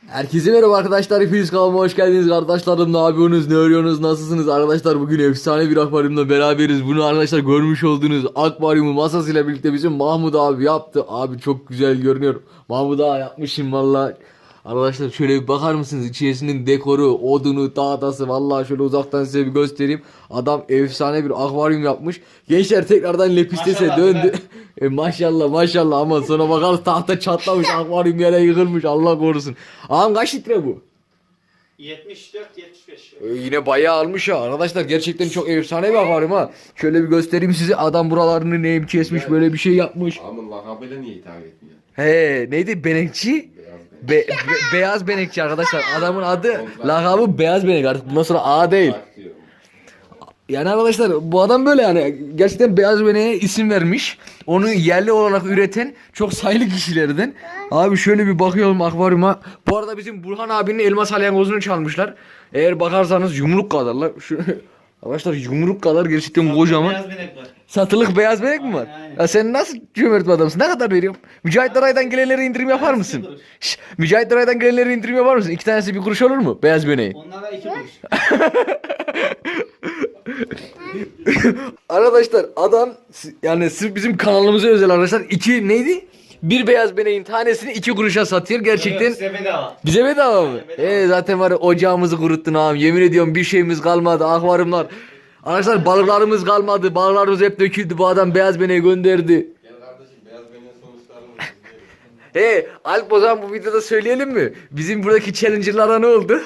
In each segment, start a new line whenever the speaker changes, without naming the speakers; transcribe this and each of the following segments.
Herkese merhaba arkadaşlar, hepiniz kanalıma hoş geldiniz kardeşlerim. Ne yapıyorsunuz, ne örüyorsunuz, nasılsınız arkadaşlar? Bugün efsane bir akvaryumla beraberiz. Bunu arkadaşlar görmüş olduğunuz akvaryumu masasıyla birlikte bizim Mahmut abi yaptı. Abi çok güzel görünüyor. Mahmut abi yapmışım vallahi. Arkadaşlar şöyle bir bakar mısınız? İçerisinin dekoru, odunu, tahtası, vallahi şöyle uzaktan size bir göstereyim. Adam efsane bir akvaryum yapmış. Gençler tekrardan Lepistes'e
Maşallah
döndü. Maşallah maşallah, ama sonra bakarız tahta çatlamış, akvaryum yere yıkılmış, Allah korusun. Ağam kaç litre bu?
74-75.
Yine bayağı almış ya. Arkadaşlar gerçekten çok efsane bir akvaryum ha. Şöyle bir göstereyim size. Adam buralarını neyim kesmiş, böyle bir şey yapmış.
Ama lakabıyla niye hitap etmiyor?
He, neydi? Benekçi? Beyaz benekçi arkadaşlar. Adamın adı, lakabı beyaz benek, artık bundan sonra A değil.
Bak diyorum.
Yani arkadaşlar bu adam böyle, yani gerçekten beyaz beneğe isim vermiş. Onu yerli olarak üreten çok sayılı kişilerden. Abi şöyle bir bakıyorum akvaryuma. Bu arada bizim Burhan abinin elma salyangozunu çalmışlar. Eğer bakarsanız yumruk kadarlar. Şu arkadaşlar yumruk kadar, gerçekten kocaman.
Beyaz benek var.
Satılık beyaz benek mi var?
Aynen.
Ya sen nasıl cömert bir adamsın? Ne kadar veriyorum? Mücahit Aray'dan gelenlere indirim yapar mısın?
kuruş.
Şş, Mücahit Aray'dan gelenlere indirim yapar mısın? 2 tanesi 1 kuruş olur mu? Beyaz beneği.
Onlara 2 kuruş.
Arkadaşlar adam, yani sırf bizim kanalımıza özel arkadaşlar, iki neydi? Bir beyaz beneğin tanesini 2 kuruşa satıyor gerçekten.
Size bedava.
Bize bedava mı?
Bedava.
Zaten var ya, ocağımızı kuruttun ağam. Yemin ediyorum bir şeyimiz kalmadı. Akvaryumlar. Arkadaşlar balıklarımız kalmadı. Balıklarımız hep döküldü. Bu adam beyaz beneği gönderdi.
Gel kardeşim beyaz benim sonuçlarını izleyelim.
Alp, o zaman bu videoda söyleyelim mi? Bizim buradaki challenger'lara ne oldu?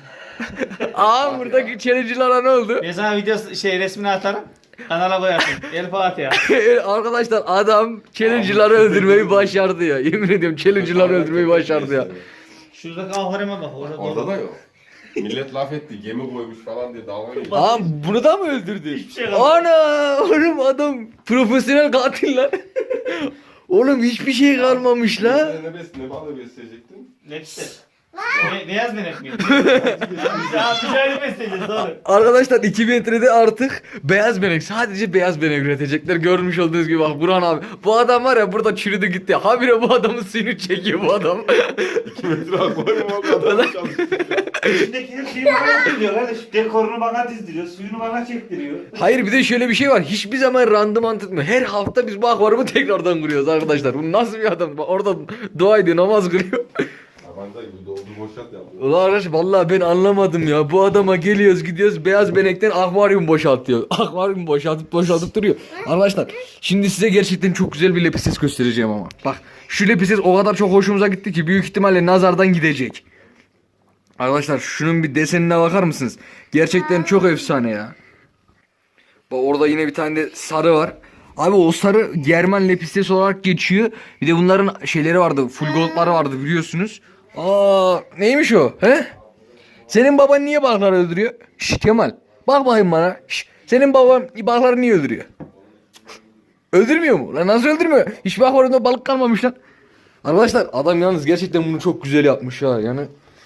Ağam, buradaki challenger'lara ne oldu?
Ben sana video resmini atarım. Kanala koyarsın. El Fatiha.
Arkadaşlar adam challenger'ları öldürmeyi başardı ya. Yemin ediyorum challenger'ları öldürmeyi başardı ya.
Şuradaki akvaryuma bak.
Orada da yok. Millet laf etti, gemi koymuş falan diye dalga geçiyor.
Ağam bunu da mı öldürdü?
Hiçbir şey kalmadı.
Ana oğlum, adam profesyonel katil lan. Oğlum hiçbir şey kalmamış la.
Ne balığı besleyecektin?
Ne işte? Beyaz benek mi? Ya mücadele besleyeceğiz doğru.
Arkadaşlar 2 metrede artık beyaz benek, sadece beyaz benek üretecekler. Görmüş olduğunuz gibi bak Burhan abi. Bu adam var ya, burada çürüdü gitti. Habire bu adamın suyunu çekiyor bu adam.
2 metre akvaryum o kadar çalıştı.
İçindeki her şeyi bana yaptırıyor kardeş. Dekorunu bana dizdiriyor. Suyunu bana çektiriyor.
Hayır, bir de şöyle bir şey var. Hiçbir zaman randıman tutmuyor. Her hafta biz bu akvaryumu tekrardan kuruyoruz arkadaşlar. Bu nasıl bir adam? Bak orada dua ediyor, namaz kılıyor.
Tabanca gibi doldu boşalt yapıyor.
Ulan arkadaş, vallahi ben anlamadım ya. Bu adama geliyoruz gidiyoruz, beyaz benekten akvaryum boşaltıyor. Akvaryum boşaltıp duruyor. Arkadaşlar şimdi size gerçekten çok güzel bir lepistes göstereceğim ama. Bak şu lepistes o kadar çok hoşumuza gitti ki büyük ihtimalle nazardan gidecek. Arkadaşlar şunun bir desenine bakar mısınız? Gerçekten çok efsane ya. Bak orada yine bir tane de sarı var. Abi o sarı German lepistes olarak geçiyor. Bir de bunların şeyleri vardı. Full gold'ları vardı biliyorsunuz. Aa, neymiş o? He? Senin baban niye balıkları öldürüyor? Şş Kemal. Bak bakayım bana. Şş, senin baban balıkları niye öldürüyor? Öldürmüyor mu? Lan nasıl öldürmüyor? Hiçbir akvaryumda balık kalmamış lan. Arkadaşlar adam yalnız gerçekten bunu çok güzel yapmış ya. Yani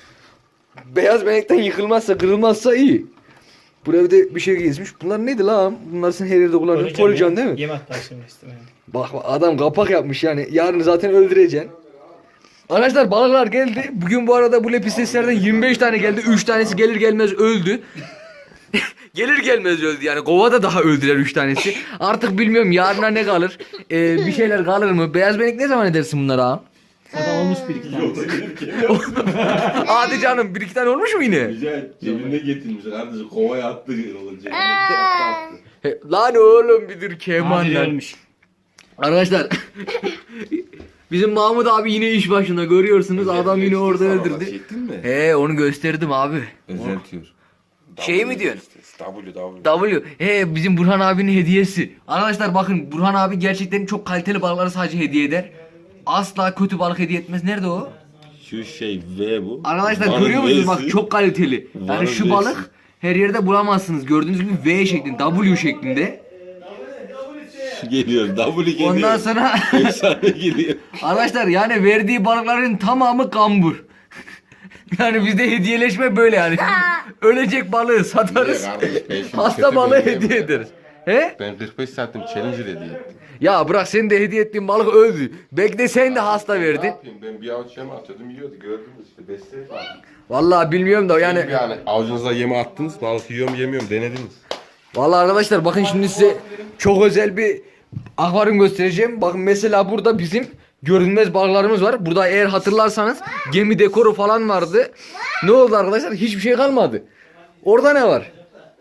beyaz benekten yıkılmazsa, kırılmazsa iyi. Buraya bir şey gezmiş. Bunlar neydi lan? Bunlar sen her yerde kullanıyorsun. Polican değil mi?
Yem hatta şimdi istemem.
Bak adam kapak yapmış yani. Yarın zaten öldüreceksin. Arkadaşlar balıklar geldi. Bugün bu arada bu lepisteslerden 25 tane geldi. 3 tanesi gelir gelmez öldü. Gelir gelmez öldü yani. Kovada daha öldüler 3 tanesi. Artık bilmiyorum yarına ne kalır. Bir şeyler kalır mı? Beyaz benek ne zaman edersin bunlara ha?
Zaten olmuş bir iki tane.
Hadi canım, 1-2 tane olmuş mu yine?
Güzel cebinde getirmiş kardeşim, kovaya attı cebinde attı.
Lan oğlum bir dur Kemal
Abi
lan.
ölmüş.
Arkadaşlar bizim Mahmut abi yine iş başında, görüyorsunuz. Adam yine orada öldürdü.
Çektin mi?
He, onu gösterdim abi.
Özeltiyor.
Şey mi diyorsun?
W.
Bizim Burhan abinin hediyesi. Arkadaşlar bakın, Burhan abi gerçekten çok kaliteli balıkları sadece hediye eder. Asla kötü balık hediye etmez. Nerede o?
Şu şey V bu.
Arkadaşlar
Van'ın
görüyor musunuz?
V'si.
Bak çok kaliteli. Yani
Van'ın
şu
V'si.
balık her yerde bulamazsınız. Gördüğünüz gibi V şeklinde, W şeklinde.
Geliyor. W geliyor.
Ondan sonra
Efsane geliyor.
arkadaşlar yani verdiği balıkların tamamı kambur. Yani bizde hediyeleşme böyle yani. Ölecek balığı satarız.
Kardeş, ben şimdi
Hasta
kötü
balığı
benzeyeyim
hediye
ya.
ederiz. He?
Ben 45 santim challenger hediye ettim.
Ya bırak, senin de hediye ettiğin balık öldü. Belki de sen de hasta
Ne
verdin.
yapayım, ben bir avuç yeme atıyordum, yiyordu, gördünüz işte, besleyin abi.
Vallahi bilmiyorum da yani.
Yani avucunuza yeme attınız, balık yiyor mu yemiyor mu denediniz.
Vallahi arkadaşlar bakın, şimdi size çok özel bir akvaryum göstereceğim. Bakın mesela burada bizim görünmez balıklarımız var. Burada eğer hatırlarsanız gemi dekoru falan vardı. Ne oldu arkadaşlar? Hiçbir şey kalmadı. Orada ne var?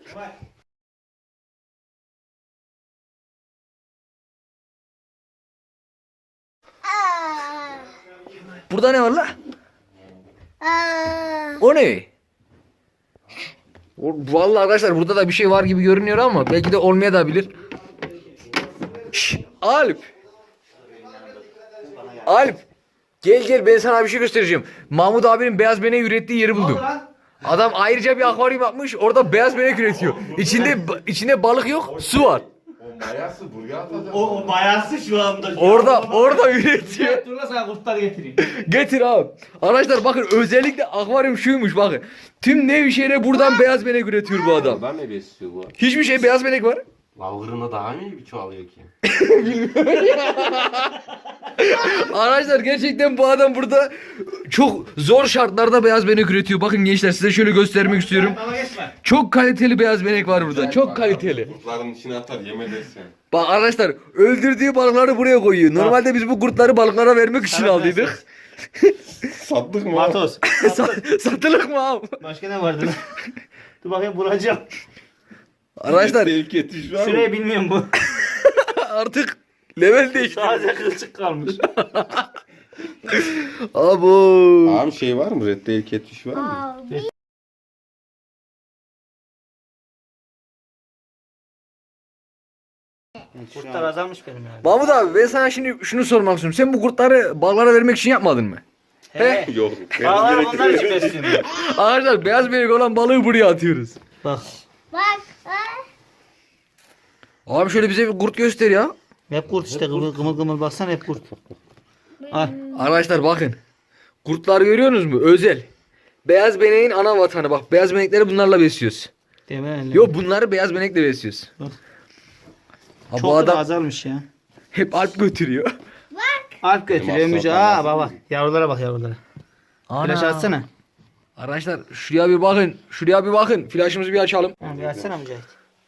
Burada ne var la? O ne? Vallahi arkadaşlar burada da bir şey var gibi görünüyor ama belki de olmaya da bilir. Şşş, Alp. Alp. Gel gel, ben sana bir şey göstereceğim. Mahmut abinin beyaz benek ürettiği yeri buldum. Adam ayrıca bir akvaryum yapmış. Orada beyaz benek üretiyor. İçinde balık yok, su var.
O mayası buraya atacak.
O mayası şu anda.
Orada üretiyor.
Dur lan sana kurtlar getireyim.
Getir abi. Arkadaşlar bakın, özellikle akvaryum şuymuş bakın. Tüm Nevşehir'e buradan beyaz benek üretiyor bu adam.
Adam ne besliyor bu?
Hiçbir şey, beyaz benek var.
Lavgırına daha mı iyi bir çoğalıyor ki?
Arkadaşlar gerçekten bu adam burada çok zor şartlarda beyaz benek üretiyor. Bakın gençler, size şöyle göstermek istiyorum.
Ama geçme.
Çok kaliteli beyaz benek var burada. Çok kaliteli.
Kurtların içine atar, yeme dersen.
Bak arkadaşlar, öldürdüğü balıkları buraya koyuyor. Normalde biz bu kurtları balıklara vermek için aldıydık.
Sattık mı?
Matos.
Satılık mı abi?
Başka ne vardı lan? Dur bakayım bulacağım.
Arkadaşlar
Tehlike etiş var mı?
Şurayı bilmiyorum bu.
artık level değişti.
Sadece kılçık kalmış.
Abo.
Abi şey var mı? Red tehlike etiş var mı?
Kurtlar azalmış benim yani.
Mahmut abi, ben sana şimdi şunu sormak istiyorum. Sen bu kurtları balıklara vermek için yapmadın mı?
He.
Yok.
Bağlar onlar için besliyorum.
Arkadaşlar beyaz benek olan balığı buraya atıyoruz.
Bak.
Abi şöyle bize bir kurt göster ya.
Hep kurt işte gımıl gımıl baksana hep kurt. Al.
Arkadaşlar bakın. Kurtlar görüyorsunuz mu? Özel. Beyaz beneğin ana vatanı. Bak, beyaz benekleri bunlarla besliyoruz.
Demeyin.
Yok, bunları beyaz benekle besliyoruz.
Bak.
Ha,
Çok
bu
da
adam
azalmış ya.
hep alp götürüyor.
Alp götürüyor Müce. Aa bak bak. Yavrulara bak yavrulara. Flaş atsana.
Arkadaşlar şuraya bir bakın. Şuraya bir bakın. Flaşımızı bir açalım.
Ha, bir açsana Mücahit.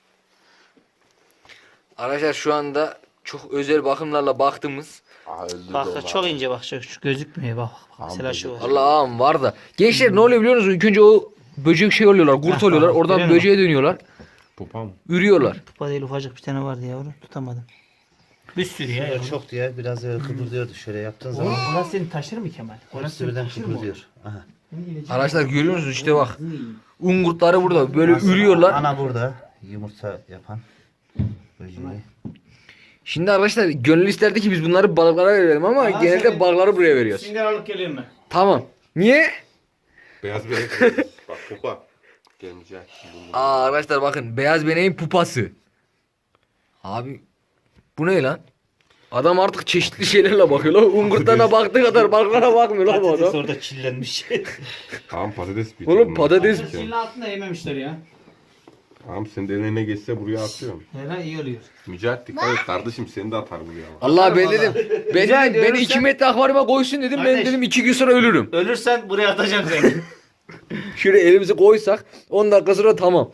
Arkadaşlar şu anda çok özel bakımlarla baktığımız.
Aa, öldürdü
Bak
onu
çok
abi.
ince bak şu gözükmüyor bak. Mesela şu var.
Allah'ım var da. Gençler ne oluyor biliyor musunuz? İlk önce o böcek şey oluyorlar. Kurt
Ha,
oluyorlar.
tamam.
Oradan
Görüyor
böceğe dönüyorlar.
Pupa mı?
Ürüyorlar.
Pupa değil ufacık bir tane vardı yavru tutamadım. Bir sürü ya yavru.
Çoktu ya. Biraz kıpırdıyordu şöyle yaptığın zaman.
Orası seni taşır mı Kemal?
Hepsi birden kıpırdıyor. Aha.
Arkadaşlar görüyor musunuz? İşte bak. Un kurtları burada. Böyle ürüyorlar.
Ana burada. Yumurta yapan. Böceği.
Şimdi arkadaşlar gönül isterdi ki biz bunları balıklara verelim ama genelde balıkları buraya veriyoruz.
Şimdi aralık geliyorum ben.
Tamam. Niye?
Beyaz benek. Bak pupa. Gelmeyecek.
Aa arkadaşlar bakın, beyaz beneğin pupası. Abi bu ne lan? Adam artık çeşitli şeylerle bakıyor lan. Un kurtlarına baktığı kadar balıklara bakmıyor lan bu
Patates
adam.
orada çillenmiş.
Tamam patates bir.
Oğlum patates.
Çilin altında yememişler ya.
Tamam senin de eline geçse buraya atıyorum.
Herhalde iyi oluyor.
Mücahit dikkat et kardeşim, seni de atar buraya.
Allah, ben dedim. Ben
Rica
dedim beni
ediyorum
2
sen-
metre akvaryuma koysun dedim. Ben
Kardeş.
dedim 2 gün sonra ölürüm.
Ölürsen buraya atacağım seni.
Şöyle elimizi koysak 10 dakika sonra tamam.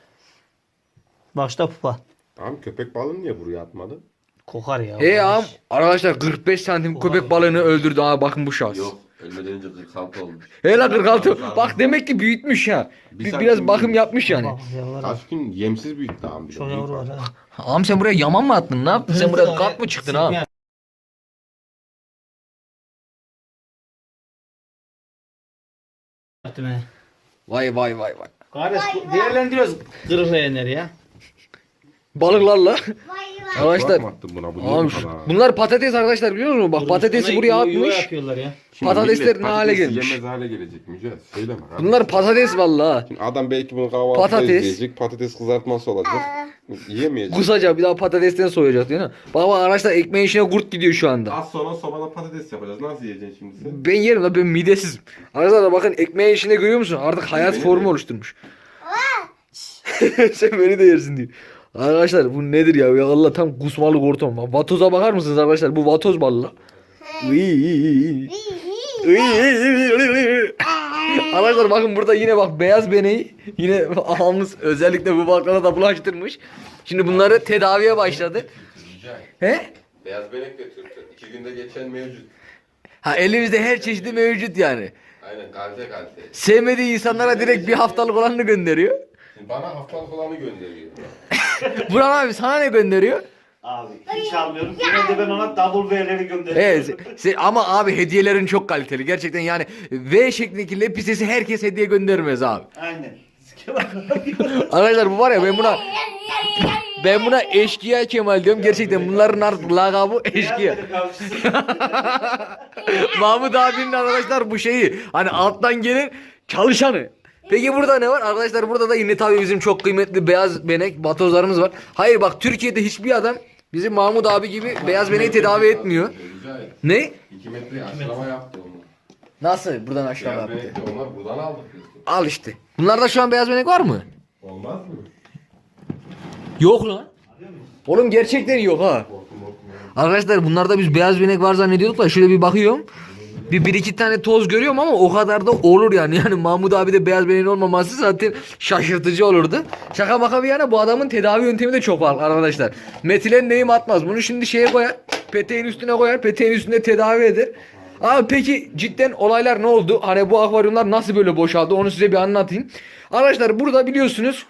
Başta pupa.
Tamam köpek balığını niye buraya atmadı?
Kokar ya.
Ağam arkadaşlar 45 santim köpek balığını öldürdü. Aa bakın bu şahs.
Yok ölmeden önce 46 olmuş.
He la 46. Bak demek ki büyütmüş ha.
Bir
Biraz
santim
bakım
büyük.
yapmış yani.
Bak yavrulara.
Kaç gün yemsiz büyüttü abi.
Çok yavru var ha.
Ağam sen buraya yaman mı attın? Ne yaptın? Sen buraya kat mı çıktın ha? Vay vay vay vay.
Kardeş değerlendiriyoruz kırıklayanları ya.
Balıklarla. Arkadaşlar.
Bakma attın buna bu niye
Ağam
bu kadar?
bunlar patates arkadaşlar, biliyor musunuz? Bak patatesi
Ona
buraya
yuva
atmış.
yapıyorlar ya.
Şimdi
patatesler
millet
ne hale
patatesi
gelmiş?
Yemez hale gelecek Mücahit. Söyleme kardeşim.
Bunlar patates vallahi.
Şimdi adam belki bunu kahvaltıda
Patates.
izleyecek. Patates kızartması olacak. Yiyemeyecek.
Kusacak, bir daha patatesten soyacak değil mi? Baba arkadaşlar ekmeğin içine kurt gidiyor şu anda.
Az sonra sobada patates yapacağız. Nasıl yiyeceksin şimdi sen?
Ben yerim la, ben midesizim. Arkadaşlar bakın ekmeğin içinde görüyor musun? Artık hayat
Beni
formu
de.
oluşturmuş. Sen beni de yersin diyor. Arkadaşlar bu nedir ya? Ya Allah tam kusmalık ortam. Vatoza bakar mısınız arkadaşlar? Bu vatoz balı. Arkadaşlar bakın burada yine bak beyaz beneği yine ağamız özellikle bu baklana da bulaştırmış. Şimdi bunları tedaviye başladı. He?
Beyaz benek de Türk'tür. 2 günde geçen mevcut.
Ha elimizde her çeşidi mevcut yani.
Aynen kalite.
Sevmediği insanlara direkt bir haftalık olanını gönderiyor.
Şimdi bana haftalık olanı gönderiyor.
Burhan abi sana ne gönderiyor?
Abi hiç almıyorum. Genelde ben ona double V'leri gönderiyorum.
Evet ama abi hediyelerin çok kaliteli gerçekten yani V şeklindeki lepisesi herkes hediye göndermez abi.
Aynen.
Arkadaşlar bu var ya ben buna eşkıya Kemal diyorum gerçekten bunların artık lakabı eşkıya. Mahmut abinin arkadaşlar bu şeyi hani alttan gelen çalışanı. Peki burada ne var? Arkadaşlar burada da yine tabii bizim çok kıymetli beyaz benek vatozlarımız var. Hayır bak Türkiye'de hiçbir adam bizim Mahmut abi gibi beyaz beneği tedavi etmiyor. Ne?
2 metre aşılama yaptı onu.
Nasıl? Buradan aşağı
Beyaz
yaptı.
benek de onlar buradan aldık biz.
Al işte. Bunlarda şu an beyaz benek var mı?
Olmaz mı?
Yok lan. Oğlum gerçekten yok ha. Arkadaşlar bunlarda biz beyaz benek var zannediyorduk da şöyle bir bakıyorum. Bir iki tane toz görüyorum ama o kadar da olur yani. Yani Mahmut abi de beyaz beneğin olmaması zaten şaşırtıcı olurdu. Şaka maka bir yana bu adamın tedavi yöntemi de çok farklı arkadaşlar. Metilen neyim atmaz. Bunu şimdi şeye koyar. Peteğin üstüne koyar. Peteğin üstünde tedavi eder. Abi peki cidden olaylar ne oldu? Hani bu akvaryumlar nasıl böyle boşaldı? Onu size bir anlatayım. Arkadaşlar burada biliyorsunuz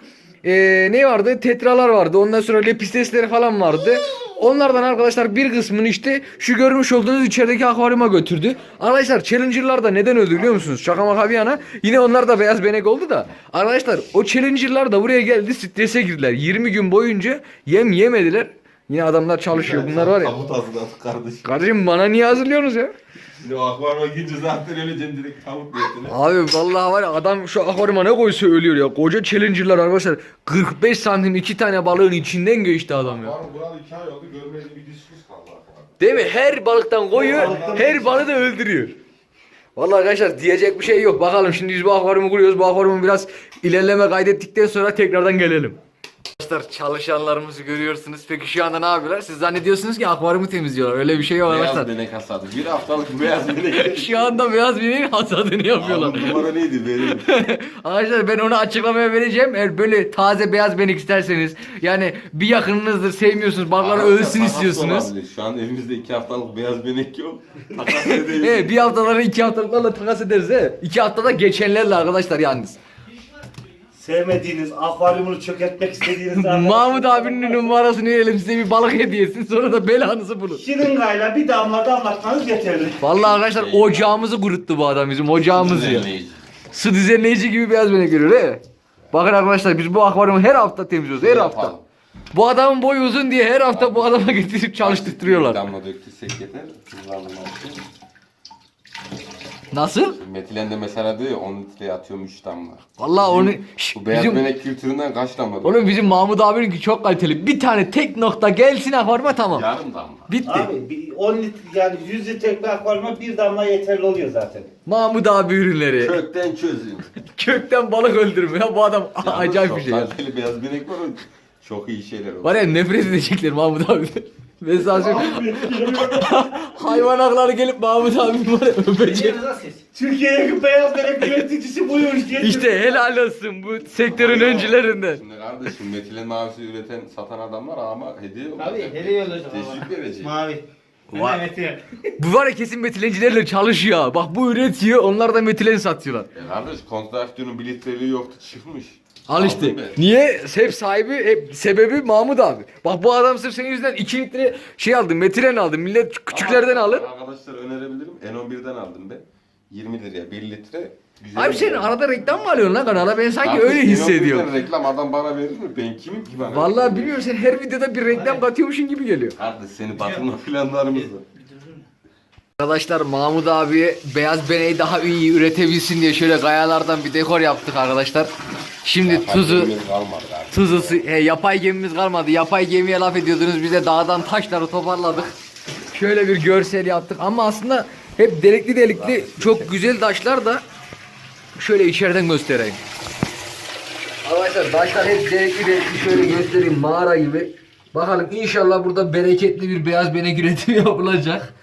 ne vardı? Tetralar vardı. Ondan sonra lepistesleri falan vardı. Onlardan arkadaşlar bir kısmını işte şu görmüş olduğunuz içerideki akvaryuma götürdü. Arkadaşlar Challenger'lar da neden öldü biliyor musunuz? Şaka maka bir yana. Yine onlar da beyaz benek oldu da. Arkadaşlar o Challenger'lar da buraya geldi strese girdiler. 20 gün boyunca yem yemediler. Yine adamlar çalışıyor. Bunlar var ya.
Tabut hazırladık kardeşim.
Kardeşim bana niye hazırlıyorsunuz ya?
Şimdi o akvaryuma girince zaten öleceksin direkt tavuk niyetine.
Abi vallahi var ya adam şu akvaryuma ne koysa ölüyor ya. Koca Challenger'lar arkadaşlar 45 santim 2 tane balığın içinden geçti adam ya.
Akvaryum buralı 2 ay oldu görmeyeli bir dişsiz kaldı akvaryum.
Değil mi? Her balıktan koyuyor, her balığı da öldürüyor. Vallahi arkadaşlar diyecek bir şey yok. Bakalım şimdi biz bu akvaryumu kuruyoruz. Bu akvaryumu biraz ilerleme kaydettikten sonra tekrardan gelelim. Arkadaşlar çalışanlarımızı görüyorsunuz. Peki şu anda ne yapıyorlar? Siz zannediyorsunuz ki akvaryumu temizliyorlar. Öyle bir şey yok
Beyaz
arkadaşlar.
benek hasadı. Bir haftalık beyaz benek.
Şu anda beyaz bineğin hasadını yapıyorlar.
Abi numara neydi verelim.
Arkadaşlar ben onu açıklamaya vereceğim. Eğer böyle taze beyaz benek isterseniz yani bir yakınınızdır sevmiyorsunuz balıklar ölsün istiyorsunuz.
Şu an elimizde 2 haftalık beyaz benek yok. Takas edelim.
Evet bir haftaları 2 haftalıklarla takas ederiz he. 2 haftada geçenlerle arkadaşlar yalnız.
Sevmediğiniz, akvaryumunu çökertmek istediğiniz
Mahmut abinin numarasını verelim size bir balık hediyesin sonra da belanızı bulun.
şırıngayla bir damla damlatmanız yeterli.
Vallahi arkadaşlar ocağımızı kuruttu bu adam bizim ocağımız ya.
Düzenleyici.
Su düzenleyici gibi beyaz benek görüyor he. Bakın arkadaşlar biz bu akvaryumu her hafta temizliyoruz her hafta.
Yapalım.
Bu adamın boyu uzun diye her hafta bu adama getirip çalıştırıyorlar.
Damla döktüysek yeter. Kullanılmak için.
Nasıl?
Metilen de mesela diyor ya 10 litreye atıyorum 3 damla.
Vallahi onu
Bu beyaz
bizim,
benek kültüründen kaç damla?
oğlum bizim Mahmut abininki çok kaliteli. Bir tane tek nokta gelsin akvaryuma tamam.
Yarım damla.
Bitti.
Abi 10 litre yani 100 litre bir akvaryuma bir damla yeterli oluyor zaten.
Mahmut abi ürünleri.
Kökten çözün.
Kökten balık öldürme ya bu adam acayip bir şey ya.
Çok kaliteli beyaz benek var o. Çok iyi şeyler o.
Var ya nefret edecekler Mahmut abi. Ben sana söyleyeyim. Hayvan hakları gelip Mahmut abi var ya öpecek.
Türkiye'ye beyaz benek üreticisi buyur.
İşte helal olsun bu sektörün öncülerinden.
Şimdi kardeşim metilen mavisi üreten satan adamlar ama hediye olacak.
Tabii hediye olacak.
Teşvik verecek.
Mavi.
Vay.
Evet.
Bu var ya kesin metilencilerle çalışıyor. Bak bu üretiyor onlar da metilen satıyorlar.
Kardeş kontraktörün bir litreliği yoktu çıkmış.
Al işte.
Aldım ben.
Niye? Hep sahibi, hep sebebi Mahmut abi. Bak bu adam sırf senin yüzünden 2 litre şey aldı, metilen aldı. Millet küçüklerden alır.
Arkadaşlar önerebilirim. N11'den aldım ben. 20 liraya 1 litre. Güzel
Abi sen
bir-
arada reklam mı alıyorsun lan kanala? Ben sanki
Kardeş,
öyle hissediyorum.
N11'den reklam adam bana verir mi? Ben kimim ki bana?
Vallahi bilmiyorum sen her videoda bir reklam katıyormuşsun gibi geliyor.
Kardeş seni batırma planlarımız var.
Arkadaşlar Mahmut abiye beyaz beneyi daha iyi üretebilsin diye şöyle kayalardan bir dekor yaptık arkadaşlar. Şimdi tuzu
Hakemimiz kalmadı kardeş.
tuzu yapay gemimiz kalmadı. Yapay gemiye laf ediyordunuz. Biz de dağdan taşları toparladık. Şöyle bir görsel yaptık ama aslında hep delikli delikli çok güzel taşlar da şöyle içeriden göstereyim. Arkadaşlar taşlar hep delikli delikli, şöyle göstereyim, mağara gibi. Bakalım inşallah burada bereketli bir beyaz benek üretimi yapılacak.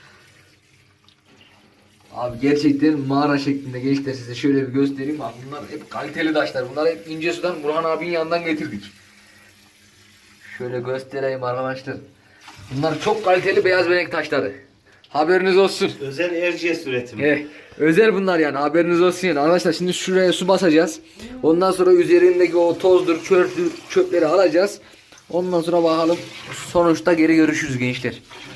Abi gerçekten mağara şeklinde gençler, size şöyle bir göstereyim. Bak bunlar hep kaliteli taşlar. Bunlar hep İncesu'dan, Burhan abinin yanından getirdik. Şöyle göstereyim arkadaşlar. Bunlar çok kaliteli beyaz benek taşları. Haberiniz olsun.
Özel Erciyes üretimi.
Özel bunlar yani, haberiniz olsun yani. Arkadaşlar şimdi şuraya su basacağız. Ondan sonra üzerindeki o tozdur, çöpleri alacağız. Ondan sonra bakalım sonuçta geri görüşürüz gençler.